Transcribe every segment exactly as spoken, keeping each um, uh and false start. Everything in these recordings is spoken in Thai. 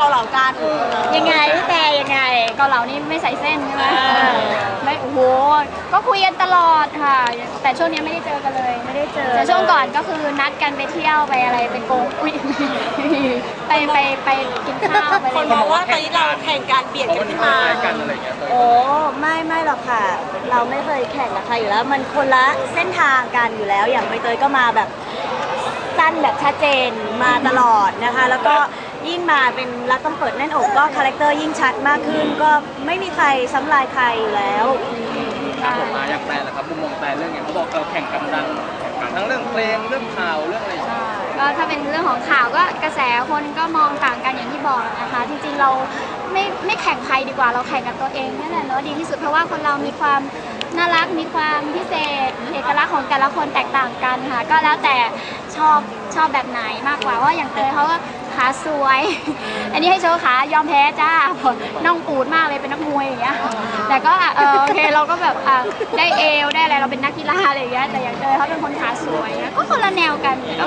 าเหลากันยังไงพี่แต่ยังไงเกาเหลานี่ไม่ใส่เส้นใช่ไหมไม่โอ้โหก็คุยกันตลอดค่ะแต่ช่วงนี้ไม่ได้เจอกันเลยไม่ได้เจอแต่ช่วงก่อนก็คือนัดกันไปเที่ยวไปอะไรไปโกงอุ้ยไปไปไปกินข้าวไปคนบอกว่าตอนนี้เราแข่งการเบียดกันขึ้นมากันอะไรอย่างเงี้ยโอ้ไม่ไม่หรอกค่ะเราไม่เคยแข่งกับใครอยู่แล้วมันคนละเส้นทางกันอยู่แล้วอย่างใบเตยก็มาแบบสั้นแบบชัดเจนมาตลอดนะคะแล้วก็ยิ่งมาเป็นรักต้องเปิดแน่นอกก็คาแรคเตอร์ยิ่งชัดมากขึ้นก็ไม่มีใครซ้ำลายใครอยู่แล้วผมมาอยากแปลนะครับมุมมองแปลเรื่องเนี้ยเขาบอกเราแข่งกันดังทั้งเรื่องเพลงเรื่องข่าวเรื่องอะไรก็ถ้าเป็นเรื่องของข่าวก็กระแสคนก็มองต่างกันอย่างที่บอกนะคะจริงๆเราไม่ไม่แข่งใครดีกว่าเราแข่งกับตัวเองนั่นแหละเนาะดีที่สุดเพราะว่าคนเรามีความน่ารักมีความพิเศษเอกลักษณ์ของแต่ละคนแตกต่างกันค่ะก็แล้วแต่ชอบชอบแบบไหนมากกว่าว่าอย่างเตยเขาก็ขาสวยอันนี้ให้โชว์ขายอมแพ้จ้าน้องปูดมากเลยเป็นนักมวยอย่างเงี้ยแต่ก็เออโอเคเราก็แบบได้เอวได้อะไรเราเป็นนักกีฬาอะไรอย่างเงี้ยแต่อย่างเตยเขาเป็นคนขาสวยก็คนละแนวกันก็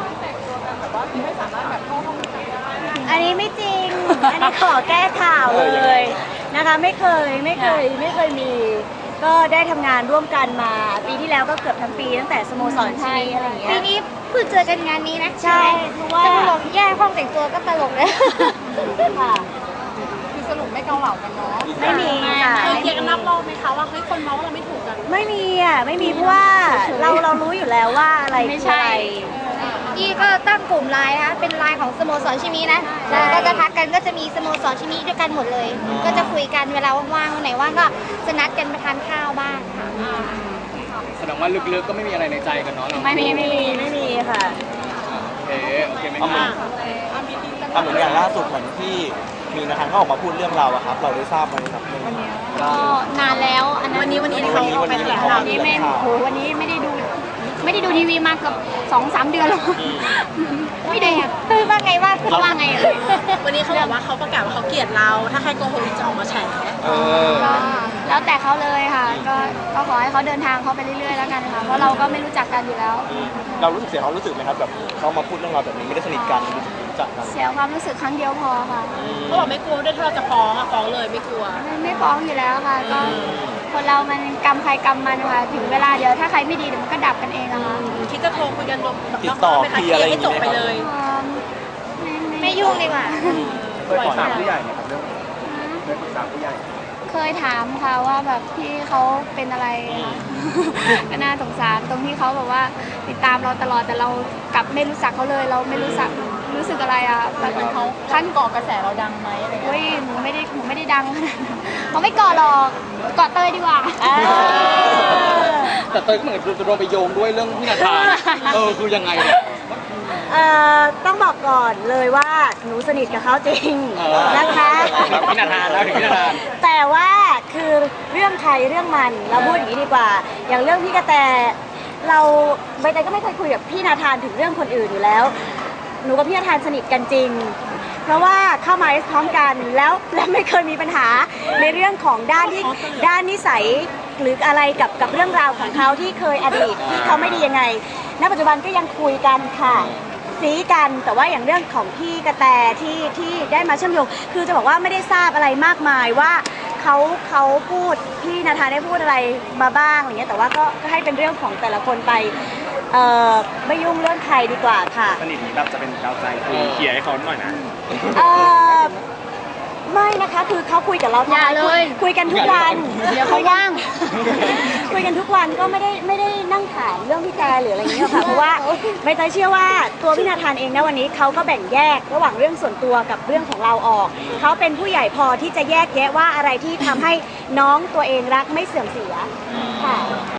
อันนี้ไม่จริงอันนี้ขอแก้ข่าวเลยนะคะไม่เคยไม่เคยไม่เคยมีก็ได้ทำงานร่วมกันมาปีที่แล้วก็เกือบทั้งปีตั้งแต่สโมสรชีวิตอะไรอย่างเงี้ยปีนี้เพิ่งเจอกันงานนี้นะใช่เพราะว่าจะตลกแย่ห้องแต่งตัวก็ตลกเลยค่ะคือสรุปไม่เกาเหลากันเนาะไม่มีค่ะเคยเคลียร์กันนับรอบไหมคะว่าเฮ้ยคนเมาว่าเราไม่ถูกกันไม่มีอ่ะไม่มีเพราะว่าเราเรารู้อยู่แล้วว่าอะไรไม่ใช่พี่ก็ตั้งกลุ่มไลน์นะคะเป็นไลน์ของสโมสรชิมินะแล้วก็จะทักกันก็จะมีสโมสรชิมิด้วยกันหมดเลยก็จะคุยกันเวลาว่างๆวันไหนว่างก็จะนัดกันไปทานข้าวบ้างค่ะแสดงว่าลึกๆก็ไม่มีอะไรในใจกันเนาะไม่มีไม่มีไม่มีค่ะโอเคโอเคไม่มีทำเหมือนอย่างล่าสุดเหมือนที่มีนาธานเขาออกมาพูดเรื่องเราอะครับเราได้ทราบไหมครับก็นานแล้วอันนั้นวันนี้วันนี้เขาไปแถลงข่าวนี้ไม่โหวันนี้ไม่ได้ดูไม่ได้ดูทีวีมาเกือบสองสามเดือนแล้วไม่ได้คือว่าไงว่าคือว่าไงวันนี้เขาบอกว่าเขาประกาศว่าเขาเกลียดเราถ้าใครโกหกจะออกมาแฉก็แล้วแต่เขาเลยค่ะก็ก็ขอให้เขาเดินทางเขาไปเรื่อยๆแล้วกันค่ะเพราะเราก็ไม่รู้จักกันอยู่แล้วเรารู้สึกเสียความรู้สึกไหมครับแบบเขามาพูดเรื่องเราแบบนี้ไม่ได้สนิทกันรู้จักกันเสียความรู้สึกครั้งเดียวพอค่ะเขาบอกไม่กลัวด้วยถ้าเราจะฟ้องอะฟ้องเลยไม่กลัวไม่ฟ้องอยู่แล้วค่ะก็คนเรามันกรรมใครกรรมมันค่ะถึงเวลาเดี๋ยวถ้าใครไม่ดีเดี๋ยวมันก็ดับกันเองอะค่ะคิดจะโทรคุยกันติดต่อเคลียร์อะไรอย่างเงี้ยให้จบไปเลยไม่ยุ่งดีกว่าเคยปรึกษาผู้ใหญ่ไหมครับเรื่องเคยปรึกษาผู้ใหญ่เคยถามค่ะว่าแบบพี่เขาเป็นอะไรก็น่าสงสารตรงที่เขาแบบว่าติดตามเราตลอดแต่เรากลับไม่รู้จักเขาเลยเราไม่รู้จักรู้สึกอะไรอ่ะแบบเขาขั้นก่อกระแสเราดังไหมอะไรเงี้ยเฮ้ยหนูไม่ได้หนูไม่ได้ดังขนาดนั้นเขาไม่ก่อหรอกก่อเตยดีกว่าแต่เตยก็เหมือนจะโดนไปโยงด้วยเรื่องพี่นาธานเออคือยังไงเอ่อต้องบอกก่อนเลยว่าหนูสนิทกับเขาจริงนะคะพี่นาธานแล้วถึงพี่นาธานแต่ว่าคือเรื่องใครเรื่องมันเราพูดอย่างนี้ดีกว่าอย่างเรื่องพี่กระแตเราใบเตยก็ไม่เคยคุยกับพี่นาธานถึงเรื่องคนอื่นอยู่แล้วหนูกับพี่นาธานสนิทกันจริงเพราะว่าเข้ามาพร้อมกันแล้วและไม่เคยมีปัญหาในเรื่องของด้านที่ด้านนิสัยหรืออะไรกับกับเรื่องราวของเขาที่เคยอดีตที่เขาไม่ดียังไงณปัจจุบันก็ยังคุยกันค่ะซีกันแต่ว่าอย่างเรื่องของพี่กระแตที่ที่ได้มาเชื่อมโยงคือจะบอกว่าไม่ได้ทราบอะไรมากมายว่าเขาเขาพูดพี่นาธานได้พูดอะไรมาบ้างอะไรเงี้ยแต่ว่าก็ก็ให้เป็นเรื่องของแต่ละคนไปเอ่อไม่ยุ่งเรื่องใครดีกว่าค่ะสนิทนี้แบบจะเป็นกาวใจคุยเคลียร์ให้เขาหน่อยนะเออไม่นะคะคือเขาคุยกับเราอย่าเลยคุยกันทุกวันเดี๋ยวเขาว่างคุยกันทุกวันก็ไม่ได้ไม่ได้นั่งถามเรื่องพี่แกหรืออะไรอย่างเงี้ยค่ะเพราะว่าใบเตยเชื่อว่าตัวพี่นาธานเองนะวันนี้เขาก็แบ่งแยกระหว่างเรื่องส่วนตัวกับเรื่องของเราออกเขาเป็นผู้ใหญ่พอที่จะแยกแยะว่าอะไรที่ทำให้น้องตัวเองรักไม่เสื่อมเสียค่ะ